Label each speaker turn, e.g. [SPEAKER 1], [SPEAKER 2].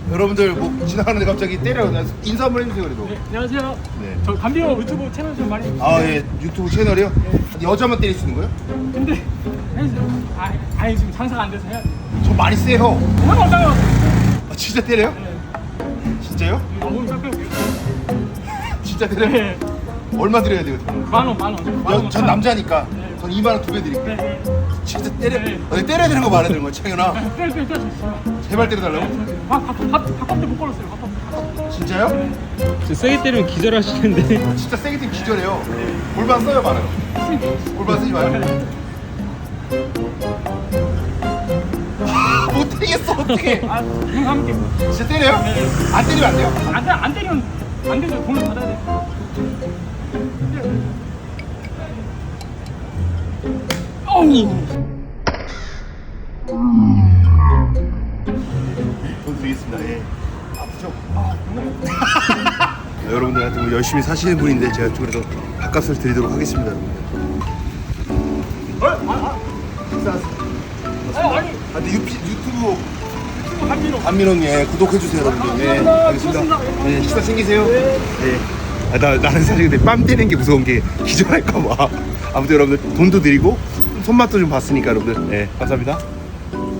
[SPEAKER 1] 여러분들 뭐 지나가는데 갑자기 때려. 인사 한번 해주세요 그래도.
[SPEAKER 2] 네, 안녕하세요.
[SPEAKER 1] 네.
[SPEAKER 2] 저 감비오 유튜브 채널 좀 많이.
[SPEAKER 1] 아 예, 유튜브 채널이요? 여자만 때릴 수 있는 거예요?
[SPEAKER 2] 근데 아니 지금 장사가 안 돼서 해야 돼.
[SPEAKER 1] 저 많이 세요.
[SPEAKER 2] 상관없어요.
[SPEAKER 1] 아, 진짜 때려요? 진짜요?
[SPEAKER 2] 너무 깎여요.
[SPEAKER 1] 진짜 때려요?
[SPEAKER 2] 네.
[SPEAKER 1] 얼마 드려야 돼요?
[SPEAKER 2] 만 원.
[SPEAKER 1] 전 남자니까
[SPEAKER 2] 네.
[SPEAKER 1] 전 2만 원 2배 드릴게요.
[SPEAKER 2] 네.
[SPEAKER 1] 진짜 때려.
[SPEAKER 2] 네.
[SPEAKER 1] 때려야 되는 거 말해야 되는 거야 창현아.
[SPEAKER 2] 때려.
[SPEAKER 1] 제발 때려달라고?
[SPEAKER 2] 밥값도 못 걸었어요. 밥값도.
[SPEAKER 1] 진짜요?
[SPEAKER 3] 세게 때리면 기절하시는데.
[SPEAKER 1] 진짜 세게 뛰면 기절해요. 골반 써요 말아요. 골반 쓰지 마요. 못 때리겠어 어떡해.
[SPEAKER 2] 아, 형 함께.
[SPEAKER 1] 진짜 때려요?
[SPEAKER 2] 네.
[SPEAKER 1] 안 때리면 안 돼요?
[SPEAKER 2] 안 때리면 안 되죠. 돈을 받아야 돼. 어우.
[SPEAKER 1] 돈 드리겠습니다. 예. 아프죠? 여러분들한테 뭐 열심히 사시는 분인데 제가 좀 그래도 밥값을 드리도록 하겠습니다, 여러분들.
[SPEAKER 2] 아니.
[SPEAKER 1] 근데 유튜브
[SPEAKER 2] 감비로.
[SPEAKER 1] 안민홍 예 구독해 주세요, 여러분들. 예, 알겠습니다. 네, 식사 챙기세요. 네. 아, 나는 사실 근데 뺨 때리는 게 무서운 게 기절할까 봐. 아무튼 여러분들 돈도 드리고 손맛도 좀 봤으니까 여러분들. 네, 감사합니다.